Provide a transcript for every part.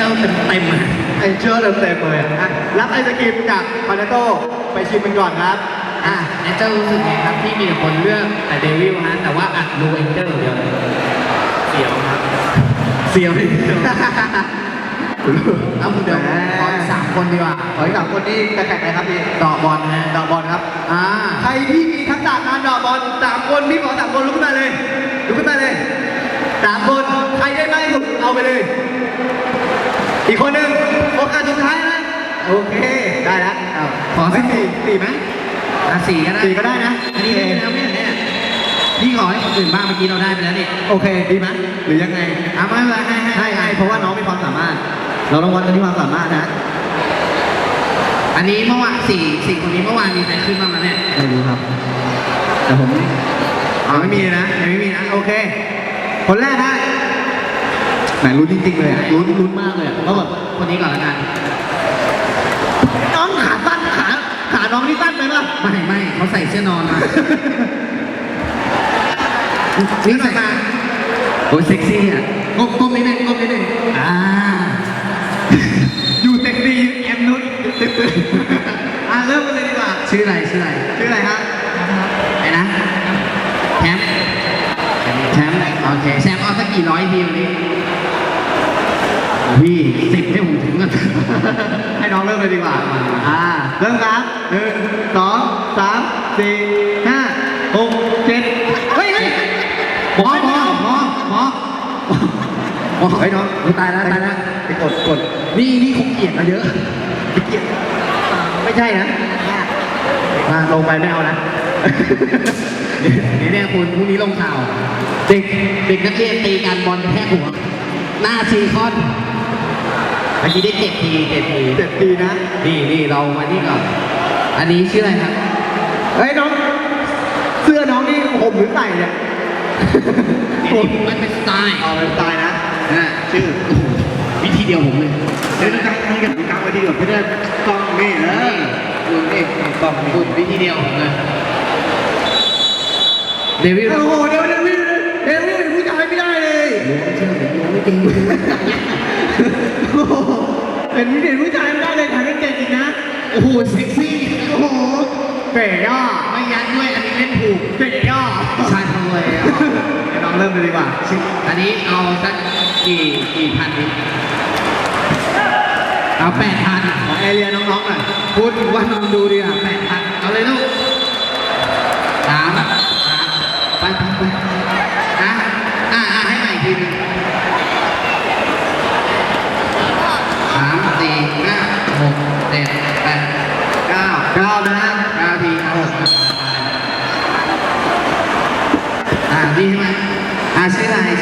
ลเต็มๆเอ็นเจอร์เต็มเลยอ่ะรับไอศกรีมจากพานาโต้ไปชิมกันก่อนครับแอนเจลรู้สึกไงครับที่มีแต่คนเลือกแต่เดวิลฮะแต่ว่าอัดรูเอ็นเจลเดียวเสียวครับเสียวเลยแล้วเดี๋ยวขออีก3 คนดีกว่าขออีก3 คนนี่จะแข่งอะไรครับพี่เดาะบอลฮะเดาะบอลครับใครที่มีทักษะการเดาะบอล3 คนพี่ขอ3 คนลุกขึ้นมาเลยลุกขึ้นมาเลย3 คนใครได้มากที่สุดเอาไปเลยอีกคนหนึ่งโอกาสสุดท้ายนะโอเคได้แล้วขอสัก 4ไหม 4ก็ได้ 4ก็ได้นะอันนี้ได้ไปแล้วเนี่ยพี่ขอให้คนอื่นบ้างเมื่อกี้เราได้ไปแล้วนี่โอเคดีไหมหรือยังไงไม่เป็นไรให้เพราะว่าน้องมีความสามารถเราต้องวัดกันที่ความสามารถนะอันนี้เมื่อวาน4 คนนี้เมื่อวานมีใครขึ้นบ้างไหมเนี่ยไม่รู้ครับแต่ผมไม่มีนะยังไม่มีนะโอเคคนแรกนะไหนลุ้นจริงๆเลยลุ้นมากเลยเพราะแบบคนนี้ก่อนละกันน้องขาสั้นขาน้องนี่สั้นไปป่ะไม่เขาใส่เสื้อนอนมานี่ใส่มาโอ้เซ็กซี่อ่ะก้มนิดนึงอยู่เซ็กซี่แอมนุชเริ่มกันเลยดีกว่าชื่ออะไรฮะไอ้นะแชมป์โอเคแชมป์เอาสักกี่ร้อยทีวันนี้พี่10ให้ผมถึงกันให้น้องเริ่มเลยดีกว่าเริ่มครับ1 2 3 4 5 6 7เฮ้ยหมอเฮ้ยน้องตายแล้วไปกดนี่คงเกลียดมาเยอะเกลียดไม่ใช่นะลงไปไม่เอานะเนี่ยคุณพรุ่งนี้ลงข่าวเด็กนักเรียนตีกันบอลแค่หัวหน้าซีคอนเมื่อกี้ได้7 ทีนะนี่เรามานี่ก่อนอันนี้ชื่ออะไรครับเฮ้ยน้องเสื้อน้องนี่ผมหรือใส่เนี่ยมันเป็นสไตล์เป็นสไตล์นะชื่อวิธีเดียวผมเลยเดี๋ยวตั้งให้กับตั้งไว้ที่เดียวเพื่อต้องนี่คุณนี่ต้องคุณวิธีเดียวผมเลยเดวิลโอ้โหเดวิลผู้ชายไม่ได้เลยไม่จริงเป็นผู้ชายไม่ได้เลยถ่ายเก่งจริงนะโอ้โหเซ็กซี่โอ้โหเก๋ย่อไม่ยัดด้วยอันนี้เล่นถูกเก๋ย่อใช่ทั้งเลยน้องเริ่มเลยดีกว่าอันนี้เอาสักกี่พันดิเอา8,000 ของเอเรียน้องๆหน่อยพูดว่าน้องดูดิอ่ะ8,000เอาเลยลูก3ไปให้ใหม่ทีนึง3 4 5 6 7 8 9 นะฮะ 9 ทีดีใช่ไหมชื่ออะไร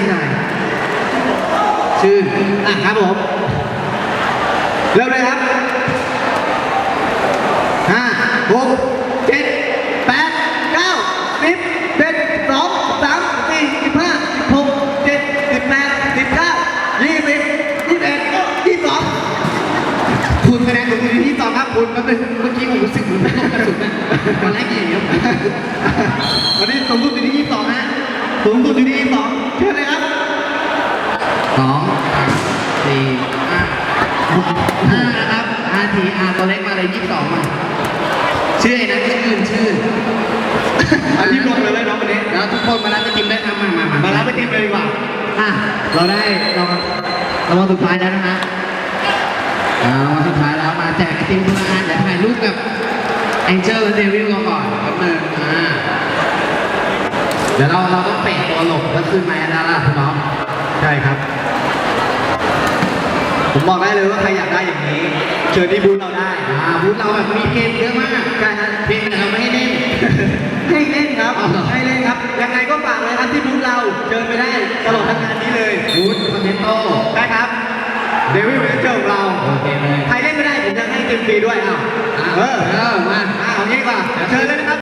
ครับผมเริ่มเลยครับ5 6 7 8 9 10 11 12 13 14 15 16 17 18 19 20 21 22 คุณคะแนนของคุณที่2ครับคุณเมื่อกี้ผมรู้สึกเหมือนเป็นกระสุนตอนแรกอย่างเงี้ยวันนี้สูงสุดอยู่ที่22นะสูงสุดอยู่ที่22เชิญเลยครับ 2 4 5นะครับ5 ทีตัวเล็กมาเลย22มาชื่อไอ้นะชื่อรีบลงเลยน้องคนนี้แล้วทุกคนมารับไปทีมได้ทำมารับไปทีมเลยดีกว่าเราวันสุดท้ายแล้วนะฮะวันสุดท้ายแล้วมาแจกทีมพลังงานเดี๋ยวถ่ายรูปกับแองเจิลและเดวิลก่อนแป๊บนึงเดี๋ยวเราต้องเปะตัวหลบแล้วขึ้นมาแล้วล่ะคุณน้องใช่ครับผมบอกได้เลยว่าใครอยากได้อย่างนี้เชิญที่บูธเราได้บูธเราแบบมีเกมเยอะมากใช่ฮะเพียงแต่เราไม่ให้เล่นให้เล่นครับยังไงก็ฝากเลยครับที่บูธเราเชิญไปได้ตลอดทั้งงานนี้เลยบูธคอนเทนโต้ได้ครับเดวิลเป็นเจ้าของเราโอเคเลยใครเล่นไม่ได้ผมจะให้เต็มฟรีด้วยมาเอางี้ดีกว่าเชิญเลยนะครับ